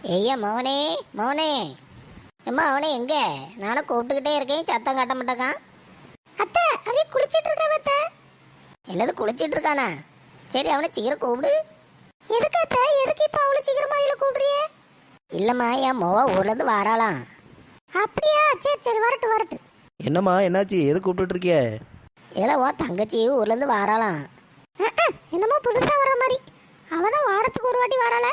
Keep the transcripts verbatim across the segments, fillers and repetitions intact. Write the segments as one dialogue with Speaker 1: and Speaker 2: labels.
Speaker 1: ஐயா மவனே மவனே அம்மா அவனே எங்க நானும் கூப்பிட்டுக்கிட்டே இருக்கேன், சத்தம் காட்ட மாட்டேக்கான். அத்தை அவன் குளிச்சிட்டு இருக்க அத்தை. என்னது குளிச்சிட்டு இருக்கானா? சரி அவனை சீக்கிரம் கூப்பிடு. எதுக்கு அத்தை? எதுக்கு இப்போ அவ்வளோ சீக்கிரமா அவளை கூப்பிடுறியே? இல்லைம்மா என் மொவ ஊர்லேருந்து வாராளாம். அப்படியா? சரி சரி வரட்டு வரட்டு.
Speaker 2: என்னம்மா என்னாச்சு? எது கூப்பிட்டு இருக்கிய?
Speaker 1: இல்லை ஓ தங்கச்சி ஊர்லேருந்து வாராளாம். என்னமோ புதுசாக வர மாதிரி. அவள் தான் வாரத்துக்கு ஒரு வாட்டி வராள.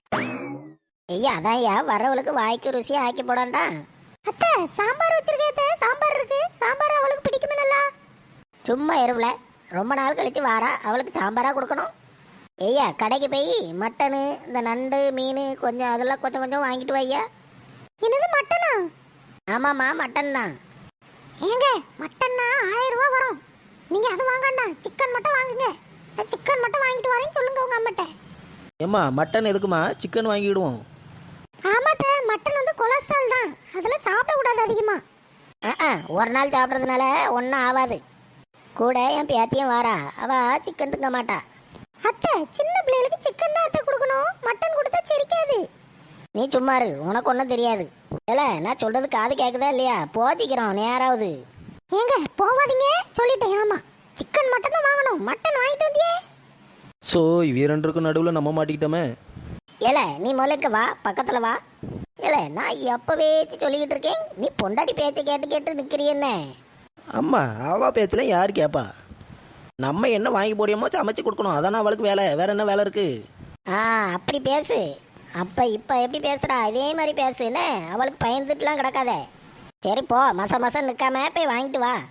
Speaker 1: ஐயா அதான் ஐயா வரவளுக்கு வாய்க்கு ருசி ஆக்கி போடாண்டா. அத்தை சாம்பார் வச்சிருக்கேன், சாம்பார் இருக்கு. சாம்பார் அவளுக்கு பிடிக்குமே நல்லா. சும்மா எருவில் ரொம்ப நாள் கழிச்சு வாரா, அவளுக்கு சாம்பாராக கொடுக்கணும். ஐயா கடைக்கு போய் மட்டனு இந்த நண்டு மீன் கொஞ்சம் அதெல்லாம் கொஞ்சம் கொஞ்சம் வாங்கிட்டு வையா. என்னது மட்டனா? ஆமாம்மா மட்டன் தான். ஏங்க மட்டன்னா ஆயிரம் ரூபா வரும். நீங்கள் அது வாங்கண்ணா, சிக்கன் மட்டும் வாங்குங்க. சிக்கன் மட்டும் வாங்கிட்டு வரேன்னு சொல்லுங்க உங்கள் அம்மட்ட.
Speaker 2: ஏம்மா மட்டன் எதுக்குமா? சிக்கன் வாங்கிடுவோம்.
Speaker 1: ஆமாத்த மட்டன் வந்து கொலஸ்ட்ரால் தான், அதெல்லாம் சாப்பிடக்கூடாது அதிகமாக. ஆ ஒரு நாள் சாப்பிட்றதுனால ஒன்றும் ஆகாது. கூட என் பேத்தியும் வாரா, அவள் சிக்கன் திங்க மாட்டா. அத்தை சின்ன பிள்ளைகளுக்கு சிக்கன் தான் அத்தை கொடுக்கணும், மட்டன் கொடுத்தா செரிக்காது. நீ சும்மாரு, உனக்கு ஒன்றும் தெரியாது. இல்லை நான் சொல்கிறது காது கேட்குதா இல்லையா? போச்சிக்கிறோம் நேராவது. ஏங்க போவாதீங்க சொல்லிட்டேன். ஆமாம் சிக்கன் மட்டன் தான் வாங்கணும். மட்டன் வாங்கிட்டு வந்தியே.
Speaker 2: ஸோ வீரண்டருக்கு நடுவில் நம்ம மாட்டிக்கிட்டோமே.
Speaker 1: ஏல நீ முதலுக்கு வா, பக்கத்தில் வா. ஏல நான் எப்போவே சொல்லிக்கிட்டு இருக்கேன், நீ பொண்டாட்டி பேச்சை கேட்டு கேட்டு நிற்கிறியன்னு.
Speaker 2: அம்மா அவள் பேச்செல்லாம் யார் கேட்பா? நம்ம என்ன வாங்கி போடியோமோ சமைச்சு கொடுக்கணும், அதானே அவளுக்கு வேலை. வேற என்ன வேலை இருக்கு?
Speaker 1: ஆ அப்படி பேசு. அப்போ இப்போ எப்படி பேசுகிறா இதே மாதிரி பேசுன்னு அவளுக்கு பயந்துட்டுலாம் கிடக்காத. சரி போ, மச மசம் நிற்காம போய் வாங்கிட்டு வா.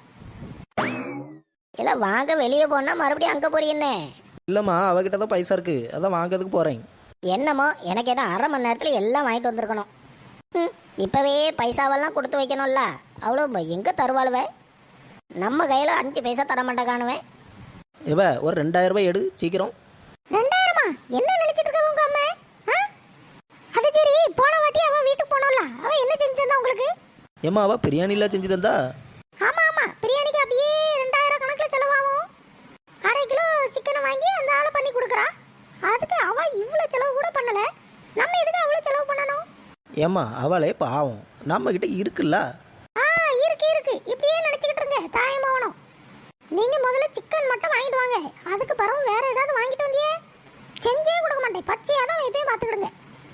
Speaker 1: இல்லை வாங்க வெளியே போனால் மறுபடியும் அங்கே போறீன்னு.
Speaker 2: இல்லைம்மா அவகிட்ட தான் பைசா இருக்கு, அதான் வாங்கிறதுக்கு போகிறேன்.
Speaker 1: என்னமோ எனக்கு என்ன அரை மணி நேரத்தில் எல்லாம் வாங்கிட்டு வந்திருக்கணும். ம் இப்போவே பைசாவெல்லாம் கொடுத்து வைக்கணும்ல. அவ்வளோ எங்கே தருவாளுவே? நம்ம கையில் அஞ்சு பைசா தர மாட்டேக்கானுவேன்.
Speaker 2: இவ ஒரு ரெண்டாயிரம் ரூபாய் எடு சீக்கிரம்.
Speaker 1: ரெண்டாயிரமா? என்ன நினைச்சிட்டு இருக்க உங்க அம்மா? அது சரி, போன வாட்டி அவ வீட்டுக்கு போனோம்ல, அவ என்ன செஞ்சு தந்தா உங்களுக்கு?
Speaker 2: ஏம்மா அவள் பிரியாணிலாம் செஞ்சு தந்தா?
Speaker 1: ஆமா ஆமா பிரியாணிக்கு அப்படியே ரெண்டாயிரம் கணக்கில் செலவாகும். அரை கிலோ சிக்கனை வாங்கி அந்த ஆளை பண்ணி கொடுக்குறா. அதுக்கு அவ இவ்வளோ செலவு கூட பண்ணல. நம்ம எதுக்கு அவ்வளோ செலவு பண்ணணும்?
Speaker 2: ஏம்மா அவளே பாவம், நம்ம கிட்ட இருக்குல்ல.
Speaker 1: ஆ இருக்கு இருக்கு, இப்படியே நினைச்சுக்கிட்டு இருங்க தாயமாவணும். நீங்க முதல்ல சிக்கன் மட்டும் வாங்கிட்டு வாங்க, அதுக்கு பிறகு வேற ஏதாவது வாங்கிட்டு வந்தியே செஞ்சே கொடுக்க மாட்டேன். பச்சையா தான் வைப்பே பார்த்துக்கிடுங்க.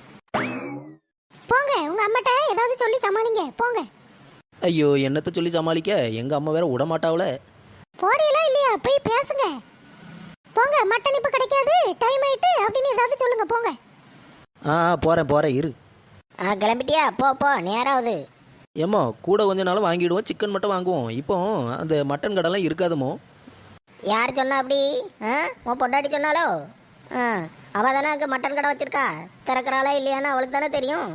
Speaker 1: போங்க உங்க அம்மாட்ட ஏதாவது சொல்லி சமாளிங்க போங்க.
Speaker 2: ஐயோ என்னத்தை சொல்லி சமாளிக்க, எங்கள் அம்மா வேற விட மாட்டாவல.
Speaker 1: போறீங்களா இல்லையா? போய் பேசுங்க போங்க. மட்டன் இப்போ கிடைக்காது, டைம் ஆயிட்டு அப்படின்னு ஏதாவது சொல்லுங்க போங்க.
Speaker 2: ஆ போகிறேன் போகிறேன் இரு.
Speaker 1: ஆ கிளம்பிட்டியா? போ போ நேராகுது.
Speaker 2: ஏம்மா கூட கொஞ்ச நாள் வாங்கிடுவோம், சிக்கன் மட்டும் வாங்குவோம். இப்போ அந்த மட்டன் கடைலாம் இருக்காதுமோ?
Speaker 1: யார் சொன்னா அப்படி? ஆ உன் பொண்டாட்டி சொன்னாலோ? ஆ அவள் தானே அங்கே மட்டன் கடை வச்சிருக்கா, திறக்கிறாளா இல்லையான்னு அவளுக்கு தானே தெரியும்.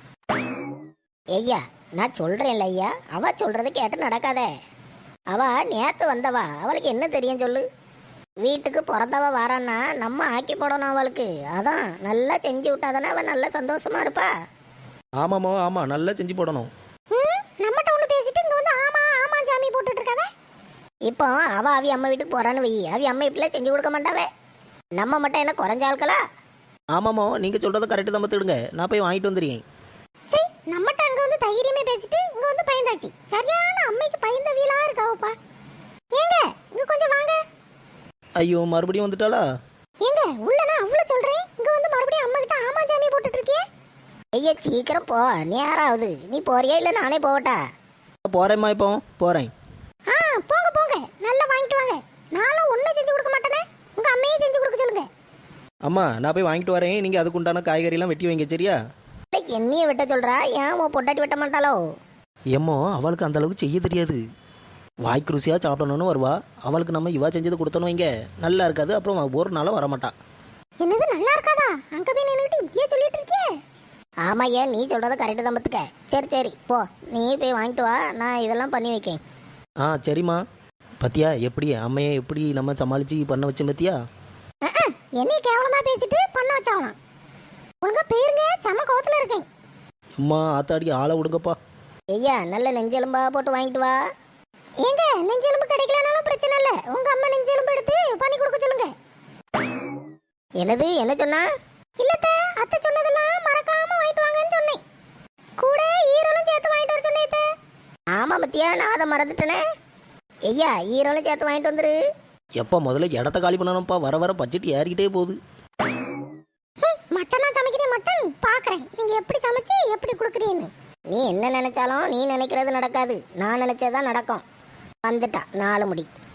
Speaker 1: ஐயா நான் சொல்கிறேன்ல ஐயா, அவள் சொல்கிறத கேட்டு நடக்காதே. அவள் நேற்று வந்தவா, அவளுக்கு என்ன தெரியும் சொல்லு? வீட்டுக்கு பிறந்தவ வாரான்னா நம்ம ஆக்கி போடணும் அவளுக்கு. அதான் நல்லா செஞ்சு விட்டா தானே அவள் நல்லா சந்தோஷமா இருப்பா.
Speaker 2: ஆமாமோ ஆமாம், நல்லா செஞ்சு போடணும்.
Speaker 1: நம்மகிட்ட ஒன்று பேசிட்டு இங்கே வந்து ஆமா ஆமா ஜாமி போட்டுட்டு இருக்காவே. இப்போ அவள் அவி அம்மா வீட்டுக்கு போகிறான்னு வை, அவி அம்மா இப்படிலாம் செஞ்சு கொடுக்க மாட்டாவே. நம்ம மட்டும் என்ன குறைஞ்ச ஆட்களா?
Speaker 2: ஆமாமோ நீங்கள் சொல்கிறத கரெக்டு தான் பார்த்துடுங்க, நான் போய் வாங்கிட்டு வந்துடுறேன்.
Speaker 1: சரி நம்மகிட்ட அங்கே வந்து தைரியமே பேசிட்டு இங்கே வந்து பயந்தாச்சு. சரியான அம்மைக்கு பயந்தவியலா இருக்காவப்பா. ஏங்க இங்கே கொஞ்சம் வாங்க.
Speaker 2: ஐயோ மறுபடியும் வந்துட்டாளா?
Speaker 1: ஏங்க உள்ளனா அவ்வளோ சொல்கிறேன், இங்கே வந்து மறுபடியும் அம்மா கிட்ட ஆமா ஜாமி போட்டுட்டு இருக்கியே. ஐயா சீக்கிரம் போ, நேராகுது. நீ போறியா இல்லை நானே போகட்டா?
Speaker 2: போகிறேம்மா, இப்போ போகிறேன்.
Speaker 1: ஆ போங்க போங்க, நல்லா வாங்கிட்டு வாங்க. நானும் ஒன்றும் செஞ்சு கொடுக்க மாட்டேனே, உங்கள் அம்மையே செஞ்சு கொடுக்க சொல்லுங்க.
Speaker 2: அம்மா நான் போய் வாங்கிட்டு வரேன், நீங்கள் அதுக்கு உண்டான காய்கறிலாம் வெட்டி வைங்க சரியா?
Speaker 1: என்னைய வெட்ட சொல்கிறா, ஏன் உன் பொண்டாட்டி வெட்ட மாட்டாளோ?
Speaker 2: ஏம்மோ அவளுக்கு அந்த அளவுக்கு செய்ய தெரியாது. வாய்க்கு ருசியாக சாப்பிடணும்னு வருவா, அவளுக்கு நம்ம இவா செஞ்சது கொடுத்தோன்னு வைங்க நல்லா இருக்காது, அப்புறம் ஒரு நாளும் வரமாட்டான்.
Speaker 1: என்னது நல்லா இருக்காதா? அங்கே போய் நின்றுட்டு இப்படியே சொல்லிட்டு இருக்கியே. ஆமாம் ஏன் நீ சொல்கிறத கரெக்டு தான் பார்த்துக்க. சரி சரி போ, நீ போய் வாங்கிட்டு வா, நான் இதெல்லாம் பண்ணி வைக்கேன்.
Speaker 2: ஆ சரிம்மா. பத்தியா எப்படி அம்மையை எப்படி நம்ம சமாளித்து பண்ண வச்சேன் பத்தியா?
Speaker 1: என்னைய கேவலமாக பேசிட்டு பண்ண வச்சாவலாம். ஒழுங்கா போயிருங்க, செம்ம கோவத்தில் இருக்கேன்.
Speaker 2: அம்மா ஆத்தாடி ஆளை விடுங்கப்பா.
Speaker 1: ஐயா நல்ல நெஞ்செலும்பா போட்டு வாங்கிட்டு வா. ஏங்க நெஞ்செலும்பு கிடைக்கலனாலும் பிரச்சனை இல்லை, உங்கள் அம்மா நெஞ்செலும்பு எடுத்து பண்ணி கொடுக்க சொல்லுங்க. என்னது என்ன சொன்னா? இல்லத்த அத்தை சொன்னதெல்லாம் மறக்காம வாங்கிட்டு சொன்னான் பத்தியா, நான் அதை மறந்துட்டேனே. ஐயா ஈரோல சேர்த்து வாங்கிட்டு வந்துரு.
Speaker 2: எப்போ முதல்ல இடத்த காலி பண்ணணும்ப்பா, வர வர பட்ஜெட் ஏறிக்கிட்டே போகுது.
Speaker 1: மட்டனா சமைக்கிறேன், மட்டன் பார்க்குறேன் நீங்கள் எப்படி சமைச்சு எப்படி கொடுக்குறீன்னு. நீ என்ன நினைச்சாலும் நீ நினைக்கிறது நடக்காது, நான் நினைச்சதான் நடக்கும். வந்துட்டா நாலு முடி.